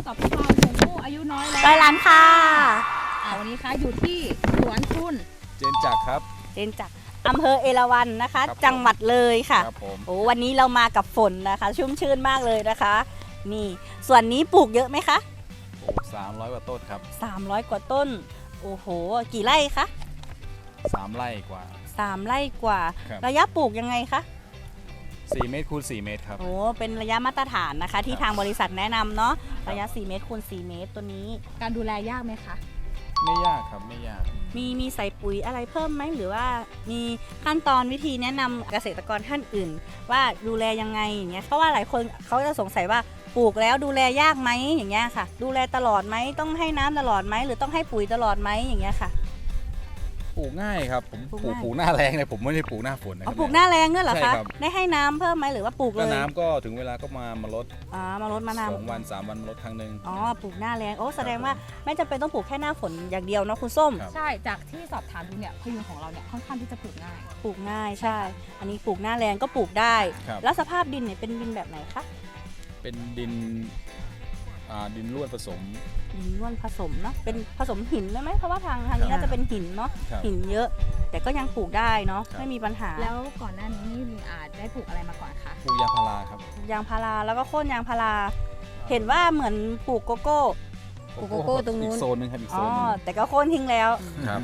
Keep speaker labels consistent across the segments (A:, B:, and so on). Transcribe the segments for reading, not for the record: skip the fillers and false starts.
A: กับเราชมพู่อายุน้อยแล้ว
B: ร้อยล้านค่ะ
A: วันนี้คะอยู่ที่สวนคุณ
C: เจนจักรครับ
B: เจนจากอำเภอเอราวัณนะคะ
C: ครับผม
B: จังหวัดเลยค่ะ
C: ครับผม
B: โอ้วันนี้เรามากับฝนนะคะ ชุ่มชื่นมากเลยนะคะ นี่ส่วนนี้ปลูกเยอะไหมคะ
C: ปลูก300 กว่าต้นครับ
B: 300 กว่าต้น โอ้โห กี่ไร่คะ
C: 3 ไร่กว่า
B: 3 ไร่กว่า
C: ครับ
B: ระยะปลูกยังไงคะ
C: 4 เมตรคูณ4 เมตรครับ
B: โอ้เป็นระยะมาตรฐานนะคะ ที่
C: ครับ
B: ทางบริษัทแนะนำเนาะระยะ4 เมตรคูณ4 เมตรตัวนี้
A: การดูแลยากไหมคะ
C: ไม่ยากครับไม่ยาก
B: มีใส่ปุ๋ยอะไรเพิ่มไหมหรือว่ามีขั้นตอนวิธีแนะนำเกษตรกรท่านอื่น ว่าดูแลยังไงอย่างเงี้ยเพราะว่าหลายคนเขาจะสงสัยว่าปลูกแล้วดูแลยากไหมอย่างเงี้ยค่ะ ดูแลตลอดไหมต้องให้น้ำตลอดไหมหรือต้องให้ปุ๋ยตลอดไหมอย่างเงี้ยค่ะ
C: ปลูกง่ายครับผม
B: ปลูก
C: ปลูก
B: ง่าย
C: ปลูกหน้าแรงเลยผมไม่ได้ปลูกหน้าฝนนะค
B: เอา
C: รับ
B: ปลูกหน้าแรงด้วยเหรอ
C: ใช่
B: คะ
C: ครับ
B: ได้ให้น้ำเพิ่มไหมหรือว่าปลูกเล
C: ก็
B: ย
C: น้ำก็ถึงเวลาก็มาลด
B: มารดมะนาว
C: 2 วัน 3 วันมาลดครั้งหนึ่ง
B: อ๋อปลูกหน้าแรงโอ้แสดงว่าไม่จำเป็นต้องปลูกแค่หน้าฝนอย่างเดียวเนาะคุณส้ม
C: ครับ
A: ใช่จากที่สอบถามดูเนี่ยพยุงของเราเนี่ยค่อนข้างที่จะปลูกง่าย
B: ปลูกง่ายใช่ อันนี้ปลูกหน้าแรงก็ปลูกได้
C: ครับ
B: แล้วสภาพดินเนี่ยเป็นดินแบบไหนคะ
C: เป็นดินดินร่วนผสม
B: ดินร่วนผสมเนาะเป็นผสมหินได้ไหมเพราะว่าทางนี้น่าจะเป็นหินเนาะ
C: ครับ
B: หินเยอะ แต่ก็ยังปลูกได้เนาะ
C: ครับ
B: ไม่มีปัญหา
A: แล้วก่อนหน้านี้นี่ได้ปลูกอะไรมาก่อนคะ
C: ปลูกยางพาราครับ
B: ยางพาราแล้วก็โค่นยางพาราเห็นว่าเหมือนปลูกโกโก้ ปลูกโกโก้ตรงนู้น
C: อีกโซนหนึงครับอีก
B: อ๋
C: โซ
B: อน
C: หนึง
B: แต่ก็โค่นทิ้งแล้ว
C: ครับ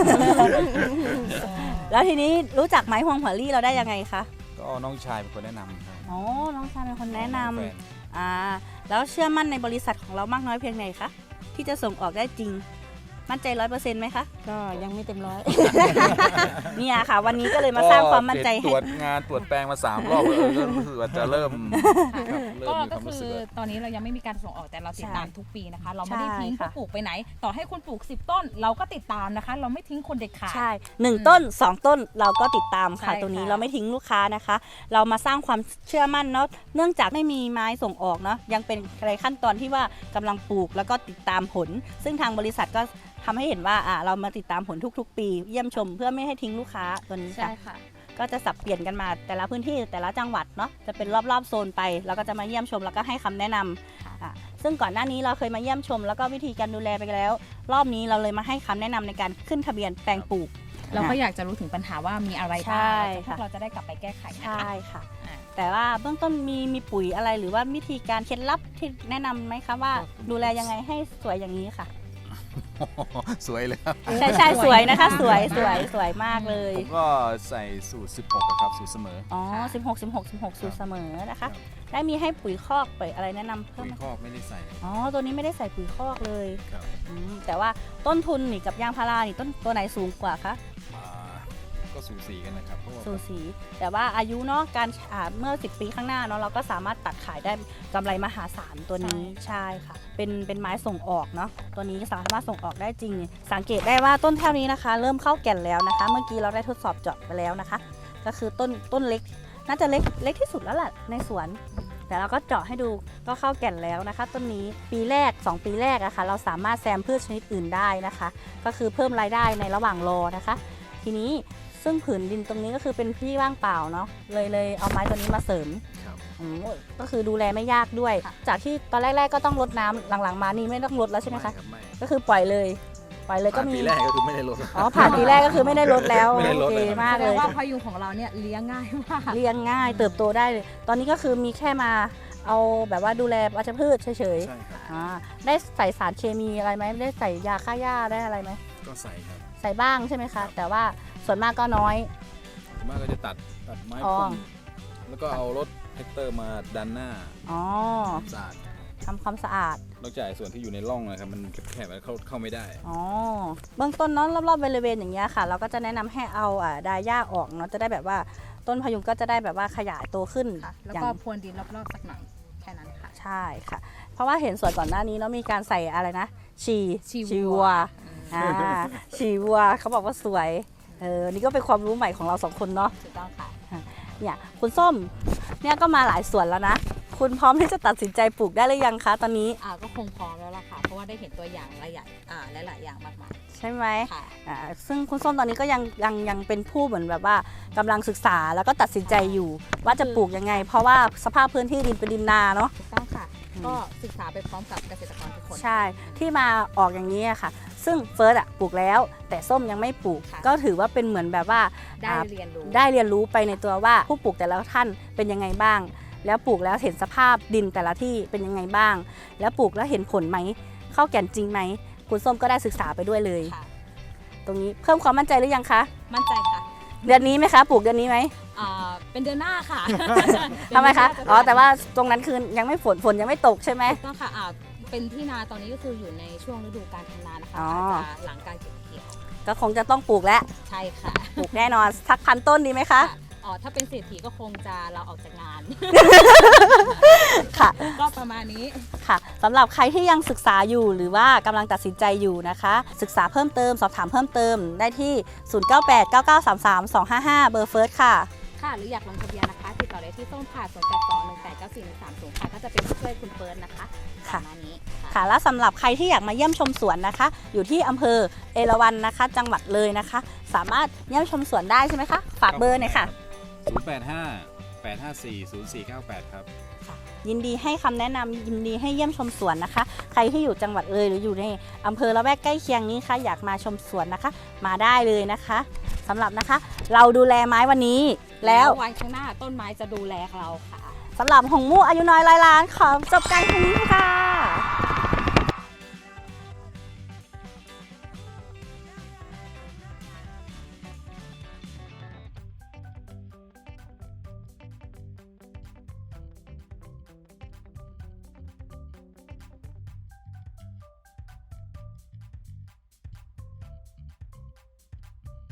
B: แล้วทีนี้รู้จักไม้ฮวงหัวลี่เราได้ยังไงคะ
C: ก็น้องชายเป็นคนแนะนำครับ
B: อ๋อน้องชายเป็นคนแนะนำ
C: องแฟ
B: แล้วเชื่อมั่นในบริษัทของเรามากน้อยเพียงไหนคะที่จะส่งออกได้จริง มั่นใจ100%ไหมคะ
D: ก็ยังไม่เต็มร้อย
B: เนี่ยค่ะ วันนี้ก็เลยมาสร้างความมั่นใจ
C: ต
B: ให้
C: รวจงานตรวจแปลงมา3 รอบก็รู้สึกว่าจะเริ่มครับเริ่มมีค
A: ก็
C: วามรู้
A: คื
C: สึก
A: อ
C: ว่า
A: ตอนนี้เรายังไม่มีการส่งออกแต่เราติดตาม
B: ใช่
A: ทุกปีนะคะ เราไม่ได้ทิ้ง
B: ใช่ค่ะ
A: ผู้ปลูกไปไหน ต่อให้คุณปลูก10 ต้น เราก็ติดตามนะคะ เราไม่ทิ้งคนเด็ดขาด
B: ใช่1 ต้น 2 ต้นเราก็ติดตามค่ะ
A: ใช่
B: ตรงนี้
A: ค่ะ
B: เราไม่ทิ้งลูกค้านะคะ เรามาสร้างความเชื่อมั่นเนาะเนื่องจากไม่มีไม้ส่งออกเนาะยังเป็นในขั้นตอนที่ว่ากำลังปลูกแล้วก็ติดตามผล ซึ่งทางบริษัทก็ทำให้เห็นว่าเรามาติดตามผลทุกๆ ปี เยี่ยมชมเพื่อไม่ให้ทิ้งลูกค้าตัวนี้
A: ใช่
B: ค่ะ
A: ค่ะ
B: ก็จะสับเปลี่ยนกันมาแต่ละพื้นที่แต่ละจังหวัดเนาะจะเป็นรอบๆโซนไปแล้วก็จะมาเยี่ยมชมแล้วก็ให้คำแนะนำซึ่งก่อนหน้านี้เราเคยมาเยี่ยมชม แล้วก็วิธีการดูแลไปแล้ว รอบนี้เราเลยมาให้คำแนะนำในการขึ้นทะเบียนแปลงปลูก
A: เราก็อยากจะรู้ถึงปัญหาว่ามีอะไร
B: ใช่
A: บ้างพว
B: ค่ะ
A: กเราจะได้กลับไปแก้ไขนะคะ
B: ใช่ค่ะ
A: อ่า
B: แต่ว่าเบื้องต้นมีปุ๋ยอะไรหรือว่าวิธีการเคล็ดลับที่แนะนำไหมคะว่าดูแลยังไงให้สวยอย่างนี้ค่ะ
C: สวยเลยครับ
B: ใช่สวยนะคะสวยมากเลย
C: ผมก็ใส่สูตร 16อะครับสูตรเสมอ
B: อ๋อ16สูตรเสมอนะคะ ได้มีให้ปุ๋ยคอกปุ๋ยอะไรแนะนำเพิ่
C: ปุ๋
B: ม
C: ย
B: ไหม
C: คอกไม่ได้ใส่
B: อ๋อตัวนี้ไม่ได้ใส่ปุ๋ยคอกเลย
C: ครับ
B: แต่ว่าต้นทุนนี่กับยางพารานี่ต้นตัวไหนสูงกว่าคะ
C: ก็สูสีกันนะครับเพราะว่า
B: สูสีแต่ว่าอายุเนาะการเมื่อ10 ปีข้างหน้าเนาะเราก็สามารถตัดขายได้กำไรมหาศาลตัวนี้ใช่ค่ะเป็นไม้ส่งออกเนาะตัวนี้สามารถส่งออกได้จริง สังเกตได้ว่าต้นแถวนี้นะคะ เริ่มเข้าแก่นแล้วนะคะ เมื่อกี้เราได้ทดสอบเจาะไปแล้วนะคะ ก็คือต้นเล็กน่าจะเล็กที่สุดแล้วแหละในสวน แต่เราก็เจาะให้ดูก็เข้าแก่นแล้วนะคะ ต้นนี้ปีแรก 2 ปีแรกอะคะ่ะเราสามารถแซมพืชชนิดอื่นได้นะคะ ก็คือเพิ่มรายได้ในระหว่างรอนะคะ ทีนี้ซึ่งผืนดินตรงนี้ก็คือเป็นที่ว่างเปล่าเนาะเลยเอาไม้ตัวนี้มาเสริม
C: ครับ
B: ก็คือดูแลไม่ยากด้วย จากที่ตอนแรกๆก็ต้องรดน้ำหลังๆมานี่ไม่ต้องรดแล้วใช่ไหมคะ
C: ไม่
B: ก็คือปล่อยเลยก็
C: ผ่าน
B: มี
C: ปีแรกก็คือไม่ได้ลด
B: อ๋อผ่านปีแรกก็คือไม่ได้รดแล้ว
C: ไม่ได้ร
B: โอ
C: ด
B: เค
C: เลยครับ
B: มาก
A: แส
B: เล
A: ดง
B: ย
A: ว่าพยุงของเราเนี่ยเลี้ยงง่ายมาก
B: เลี้ยงง่ายเติบโตได้เลย ตอนนี้ก็คือมีแค่มาเอาแบบว่าดูแลวัชพืชเฉย
C: ใช่ครับ
B: ๆได้ใส่สารเคมีอะไรไหมได้ใส่ยาฆ่าหญ้าได้อะไรไหม
C: ก็ใส่ครับ
B: ใส่บ้างใช่ไหมคะ แต่ว่าส่วนมากก็น้อย
C: ส่วนมากก็จะตัดไม้
B: อ๋อ
C: พุ่มแล้วก็เอารถแท็กเตอร์มาดันหน้า
B: อ๋อ
C: สะอาด
B: ทำความสะอาด
C: นอกจากส่วนที่อยู่ในร่องนะครับมันแคบๆแล้วเข้าไม่ได้
B: อ๋อเบื้องต้นเนาะรอบๆบริเวณอย่างเงี้ยค่ะ เราก็จะแนะนำให้เอาดาหญ้าออกเนาะจะได้แบบว่าต้นพยุงก็จะได้แบบว่าขยายตัวขึ้น
A: ค่ะ แล้ว
B: อย่า
A: ก็
B: ง
A: พรวนดินรอบๆสักหน่อยแค่นั้นค่ะ
B: ใช่ค่ะ เพราะว่าเห็นส่วนก่อนหน้านี้เนาะมีการใส่อะไรนะชี
A: ชี
B: วัวชีวัวเขาบอกว่าสวยนี่ก็เป็นความรู้ใหม่ของเราสองคนเนาะ
A: ถูกต้องค่ะ
B: เนี่ยคุณส้มเนี่ยก็มาหลายสวนแล้วนะ คุณพร้อมที่จะตัดสินใจปลูกได้หรือยังคะตอนนี้
A: ก็คงพร้อมแล้วล่ะค่ะ เพราะว่าได้เห็นตัวอย่างหลายอย่างมากมาย
B: ใช่ไหม
A: ค่ะ
B: ซึ่งคุณส้มตอนนี้ก็ยังเป็นผู้เหมือนแบบว่ากำลังศึกษาแล้วก็ตัดสินใจอยู่ ว่าจะปลูกยังไง เพราะว่าสภาพพื้นที่ดินเป็นดินนาเนาะ
A: ถูกต้องค่ะก็ศึกษาไปพร้อมกับเกษตรกรทุกคน
B: ใช่ที่มาออกอย่างนี้อะค่ะ ซึ่งเฟิร์สปลูกแล้วแต่ส้มยังไม่ปลูก
A: ค่ะ
B: ก็ถือว่าเป็นเหมือนแบบว่า
A: ได้เรียนรู้
B: ได้เรียนรู้ไปในตัวว่าผู้ปลูกแต่ละท่านเป็นยังไงบ้าง แล้วปลูกแล้วเห็นสภาพดินแต่ละที่เป็นยังไงบ้าง แล้วปลูกแล้วเห็นผลไหมเข้าแก่นจริงไหมคุณส้มก็ได้ศึกษาไปด้วยเลย
A: ค่ะ
B: ตรงนี้เพิ่มความมั่นใจหรือยังคะ
A: มั่นใจค่ะ
B: เดือนนี้ไหมคะปลูกเดือนนี้ไหม
A: เป็นเดือนหน้าค่ะ
B: ทำไมคะ
A: เดืนหน้าจ
B: อ๋อแต่ว่าตรงนั้นคือยังไม่ฝนยังไม่ตกใช่ไหม
A: ถูกต้องค่ะเป็นที่นาตอนนี้ก็คืออยู่ในช่วงฤดูการทำนานะคะ
B: อ๋อ
A: อาจจะหลังการเก็บเกี่ยว
B: ก็คงจะต้องปลูกแล้ว
A: ใช่ค่ะ
B: ปลูกแน่นอนสักพันต้นดีไหมคะ
A: ถ้าเป็นเศรษฐีก็คงจะเราออกจากงาน
B: ค่ะ
A: ก็ประมาณนี้
B: ค่ะสำหรับใครที่ยังศึกษาอยู่หรือว่ากำลังตัดสินใจอยู่นะคะ ศึกษาเพิ่มเติมสอบถามเพิ่มเติมได้ที่ 0989933255 เบอร์เฟิร์สค่ะ
A: ค่ะ หรืออยากลงทะเบียนนะคะ ติดต่อได้ที่ส้มค่ะ0821894130ค่ะ ก็จะเป็นผู้ช่วยคุณเฟิร์สนะคะป
B: ค่ะ
A: ระมาณนี้
B: ค่ะและสำหรับใครที่อยากมาเยี่ยมชมสวนนะคะ อยู่ที่อำเภอเอราวัณนะคะ จังหวัดเลยนะคะ สามารถเยี่ยมชมสวนได้ใช่ไหมคะ ฝากเบอร์หน่อยค่ะ
D: 085-854-0498 ครับ
B: ยินดีให้คำแนะนำยินดีให้เยี่ยมชมสวนนะคะ ใครที่อยู่จังหวัดเลยหรืออยู่ในอำเภอละแวกใกล้เคียงนี้ค่ะอยากมาชมสวนนะคะ มาได้เลยนะคะสำหรับนะคะ เราดูแลไม้วันนี้แล้ว
A: วันข้างหน้าต้นไม้จะดูแลเราค่ะ
B: สำหรับหงมู่อายุน้อยร้อยล้านขอจบการแค่นี้ค่ะ